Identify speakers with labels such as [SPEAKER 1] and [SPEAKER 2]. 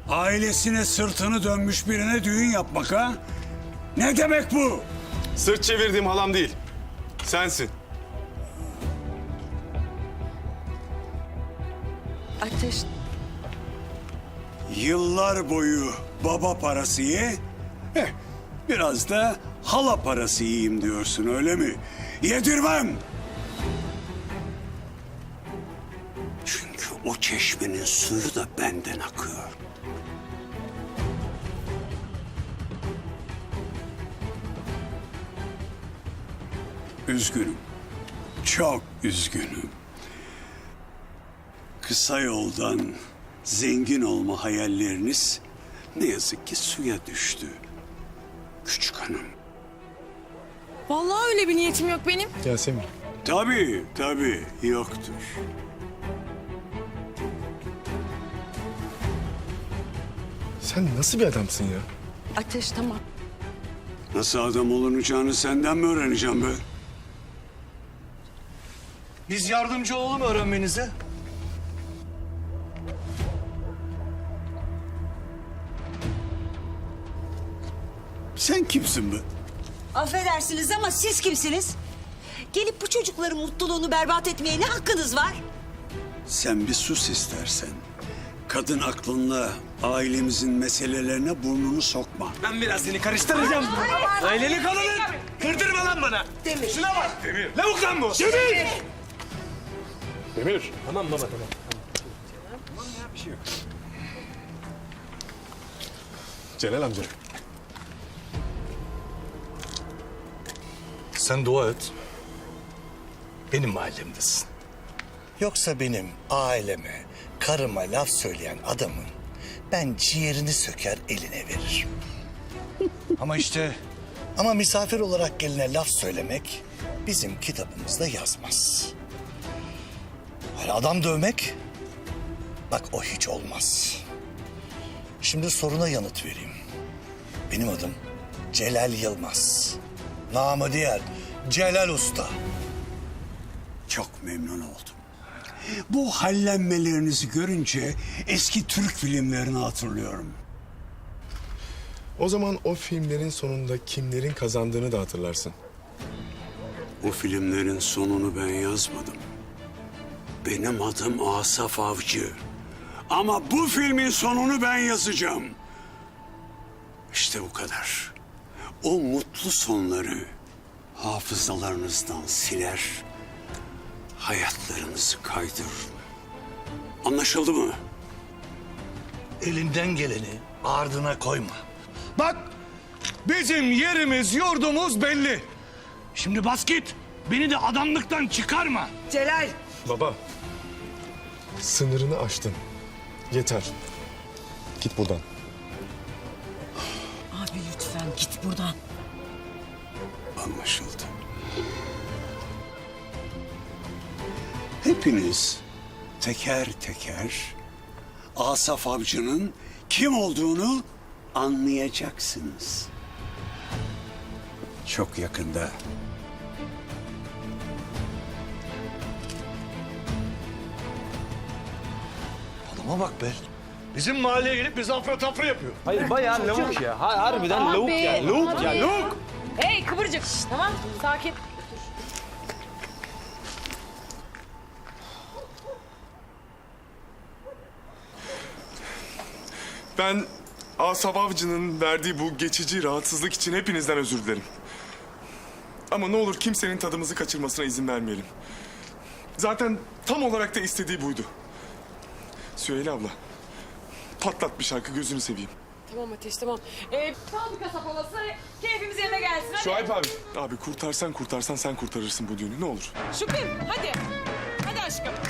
[SPEAKER 1] Ailesine sırtını dönmüş birine düğün yapmak ha? Ne demek bu?
[SPEAKER 2] Sırt çevirdiğim halam değil. Sensin.
[SPEAKER 3] Ateş,
[SPEAKER 1] Yıllar boyu baba parası ye, biraz da hala parası yiyeyim diyorsun öyle mi? Yedirmem! Çünkü o çeşmenin suyu da benden akıyor. Üzgünüm. Çok üzgünüm. Kısa yoldan zengin olma hayalleriniz ne yazık ki suya düştü. Küçük hanım.
[SPEAKER 4] Vallahi öyle bir niyetim yok benim.
[SPEAKER 5] Yasemin.
[SPEAKER 1] Tabii yoktur.
[SPEAKER 5] Sen nasıl bir adamsın ya?
[SPEAKER 3] Ateş tamam.
[SPEAKER 1] Nasıl adam olunacağını senden mi öğreneceğim be?
[SPEAKER 6] Biz yardımcı olalım öğrenmenize.
[SPEAKER 1] Sen kimsin be?
[SPEAKER 7] Affedersiniz ama siz kimsiniz? Gelip bu çocukların mutluluğunu berbat etmeye ne hakkınız var?
[SPEAKER 1] Sen bir sus istersen. Kadın aklınla ailemizin meselelerine burnunu sokma.
[SPEAKER 6] Ben biraz seni karıştıracağım. Aileni kadının. Kırdırma lan bana. Demir. Şuna bak. Demir. Lavuk lan bu. Demir.
[SPEAKER 5] Demir.
[SPEAKER 6] Tamam baba tamam.
[SPEAKER 5] Celal amca.
[SPEAKER 8] Sen dua et. Benim mahallemdesin. Yoksa benim aileme, karıma laf söyleyen adamın ben ciğerini söker eline veririm.
[SPEAKER 6] Ama işte
[SPEAKER 8] Ama misafir olarak geline laf söylemek bizim kitabımızda yazmaz. Hani adam dövmek, bak o hiç olmaz. Şimdi soruna yanıt vereyim. Benim adım Celal Yılmaz. Namı diğer Celal Usta.
[SPEAKER 1] Çok memnun oldum. Bu hallenmelerinizi görünce eski Türk filmlerini hatırlıyorum.
[SPEAKER 5] O zaman o filmlerin sonunda kimlerin kazandığını da hatırlarsın.
[SPEAKER 1] O filmlerin sonunu ben yazmadım. Benim adım Asaf Avcı. Ama bu filmin sonunu ben yazacağım. İşte bu kadar. O mutlu sonları hafızalarınızdan siler, hayatlarınızı kaydırırım. Anlaşıldı mı?
[SPEAKER 8] Elinden geleni ardına koyma.
[SPEAKER 6] bak bizim yerimiz yurdumuz belli. Şimdi bas git. Beni de adamlıktan çıkarma.
[SPEAKER 7] Celal.
[SPEAKER 5] Baba. Sınırını aştın. Yeter. Git buradan.
[SPEAKER 7] Abi lütfen git buradan.
[SPEAKER 1] Anlaşıldı. Hepiniz teker teker Asaf Avcı'nın kim olduğunu anlayacaksınız. Çok yakında.
[SPEAKER 6] Adama bak be. Bizim mahalleye gelip bizi afra tafra yapıyor.
[SPEAKER 9] Hayır bayağı lavuk ya. Harbiden lavuk ya. Lavuk ya. Lavuk.
[SPEAKER 4] Hey kıvırcık. Tamam sakin.
[SPEAKER 2] Ben Asaf Avcı'nın verdiği bu geçici rahatsızlık için hepinizden özür dilerim. Ama ne olur kimsenin tadımızı kaçırmasına izin vermeyelim. Zaten tam olarak da istediği buydu. Süheyla abla, patlat bir şarkı gözünü seveyim.
[SPEAKER 4] Tamam Ateş tamam. Fabrika sapalası keyfimiz yerine gelsin hadi.
[SPEAKER 2] Şuayb abi. Abi kurtarsan sen kurtarırsın bu düğünü ne olur.
[SPEAKER 4] Şükrü hadi. Hadi aşkım.